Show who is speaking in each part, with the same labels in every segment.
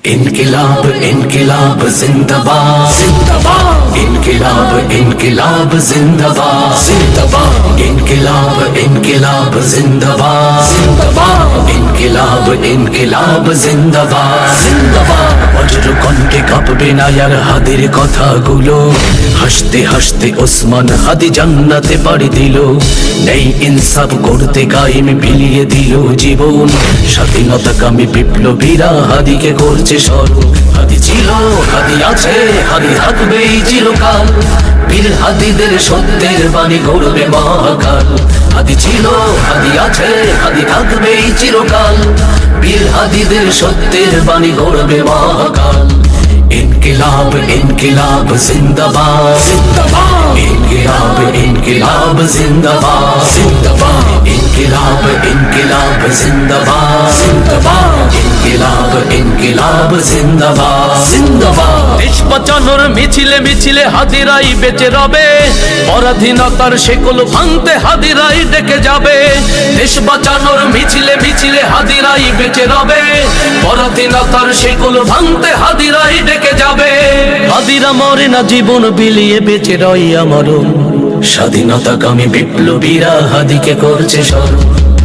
Speaker 1: इनकिलाब इनकिलाब जिंदाबाद जिंदाबाद इनकिलाब इनकिलाब जिंदाबाद जिंदाबाद इनकिलाब इनकिलाब जिंदाबाद जिंदाबाद इनकिलाब इनकिलाब जिंदाबाद जिंदाबाद वज्र কণ্ঠে কাঁপবে না আর হাদির কথাগুলো হাসতে হাসতে ওসমান হাদি জান্নাতে পাড়ি দিল নেই ইনসাফ করতে কায়েম বিলিয়ে দিল জীবন স্বাধীনতাকামী বিপ্লবীরা হাদিকে করছে স্মরণ হাদি ছিল হাদি আছে হাদি থাকবেই চিরকাল বীর হাদিদের সত্যের বাণী গড়বে মহাকাল হাদি ছিল হাদি আছে হাদি থাকবেই চিরকাল বীর হাদিদের সত্যের বাণী গড়বে মহাকাল इनकिलाब इनकिलाब जिंदाबाद जिंदाबाद इनकिलाब इनकिलाब जिंदाबाद जिंदाबाद इनकिलाब इनकिलाब जिंदाबाद जिंदाबाद इनकिलाब इनकिलाब जिंदाबाद जिंदाबाद
Speaker 2: দেশ বাঁচানোর মিছিলে মিছিলে হাদিরাই বেঁচে রবে পরাধীনতার শেকল ভাঙতে হাদিরাই ডেকে যাবে দেশ বাঁচানোর মিছিলে মিছিলে হাদিরাই বেঁচে রবে পরাধীনতার শেকল ভাঙতে হাদিরাই ডেকে যাবে হাদিরা মরে না জীবন বিলিয়ে বেঁচে রই আমরণ
Speaker 1: স্বাধীনতাকামী বিপ্লবীরা হাদিকে করছে স্মরণ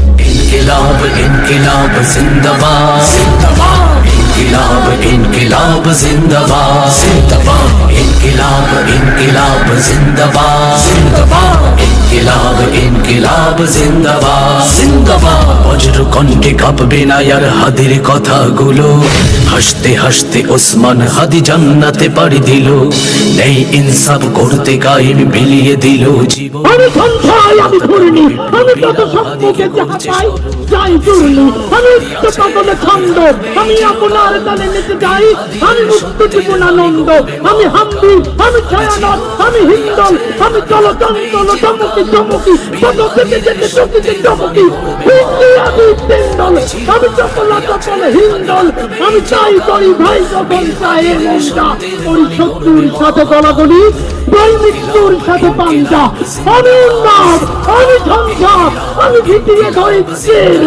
Speaker 1: इनकिलाब इनकिलाब जिंदाबाद जिंदाबाद इनकिलाब इनकिलाब जिंदाबाद जिंदाबाद इनकिलाब इनकिलाब जिंदाबाद जिंदाबाद इनकिलाब इनकिलाब जिंदाबाद जिंदाबाद वज्र কণ্ঠে কাঁপবে না আর হাদির কথাগুলো হাসতে হাসতে ওসমান হাদি জান্নাতে পাড়ি দিল নেই ইনসাফ করতে কায়েম বিলিয়ে দিল জীবন
Speaker 3: আমি সন্ধ্যায় আমি ঘুরিনি আমি তত সম্মুখে যাহা পাই যাই চুরনি আমি উচ্চতলে ছন্দ আমি আপনার তালে নিতে যাই আমি মুক্ত জীবনানন্দ আমি হাম্বি আমি ছায়ানট আমি হিন্দল আমি চলচঞ্চল চমকি চমকি কত থেকে যেতে চকিতে চমকি হিন্দি আমি তেন্দল আমি চপলা চপল হিন্দল আমি চাই করি ভাই যখন চায় মনটা ওই শত্রুর সাথে গলাগলি বই মৃত্যুর সাথে পাঞ্জা আমি উন্মাদ আমি ঝঞ্ঝা আমি ভিতিয়ে ধরেছেন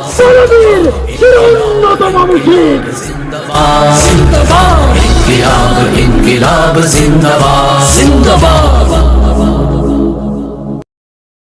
Speaker 3: সরবীর চির উন্নত মানুষের
Speaker 1: जिंदाबाद जिंदाबाद इनकिलाब इनकिलाब जिंदाबाद जिंदाबाद